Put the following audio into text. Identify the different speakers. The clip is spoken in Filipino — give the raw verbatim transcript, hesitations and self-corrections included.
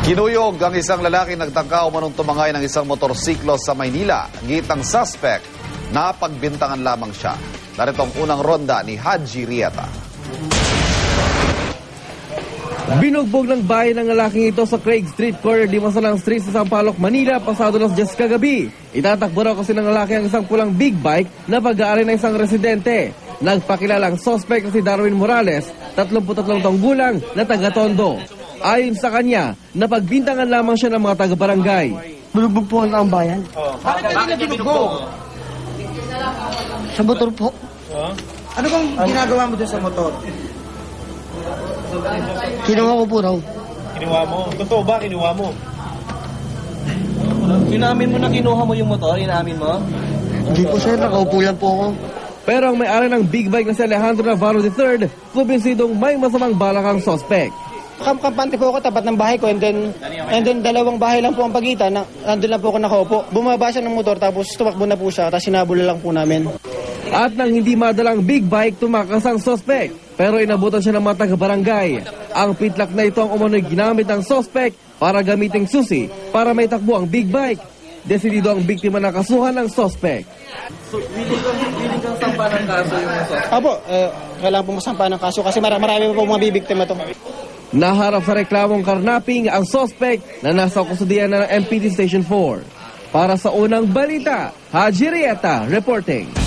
Speaker 1: Kinuyog ang isang lalaki nagtangka umanong tumangay ng isang motorsiklo sa Maynila. Gitang suspect na pagbintangan lamang siya. Narito ang unang ronda ni Haji Rieta.
Speaker 2: Binugbog ng bahay ng lalaking ito sa Craig Street, corner di Masalang Street sa Sampaloc, Manila, pasado las diyes kagabi. Itatakbo raw kasi ng lalaki ang isang pulang big bike na pag-aari ng isang residente. Nagpakilalang suspect na si Darwin Morales, tatlumput tatlong taong gulang na taga-Tondo. Ayon sa kanya, napagbintangan lamang siya ng mga taga-barangay.
Speaker 3: Binugbog po ang bayan.
Speaker 4: Oh. Bakit ka nila binugbog?
Speaker 3: Sa motor po.
Speaker 4: Huh?
Speaker 5: Ano bang ginagawa mo dun sa motor?
Speaker 3: Kinuha ko po raw.
Speaker 4: Kinuha mo? Totoo ba kinuha mo?
Speaker 2: Inamin mo na kinuha mo yung motor? Inamin mo?
Speaker 3: Hindi po sir, nakaupo lang po ako.
Speaker 2: Pero ang may-ari ng big bike na si Alejandro Navarro the third, kumbinsidong may masamang balak ang suspect.
Speaker 5: Kampante po ako tapat ng bahay ko and then and then dalawang bahay lang po ang pagitan. Na, nandun lang po ako nakaupo. Bumaba siya ng motor tapos tumakbo na po siya tapos sinabol lang po namin.
Speaker 2: At nang hindi madalang big bike, tumakas ang suspect. Pero inabutan siya ng mga taga-barangay. Ang pitlak na ito ang umano'y ginamit ng suspect para gamiting susi para may takbo ang big bike. Desidido ang biktima na kasuhan ng suspect. So, willing kang, willing kang sampa ng kaso yung suspect?
Speaker 5: Apo, eh, kailangan po masampa ng kaso kasi mar marami pa po mabibiktima to.
Speaker 2: Naharap sa reklamong karnaping ang suspect na nasa kusudian na ng M P T Station four. Para sa unang balita, Haji Rieta reporting.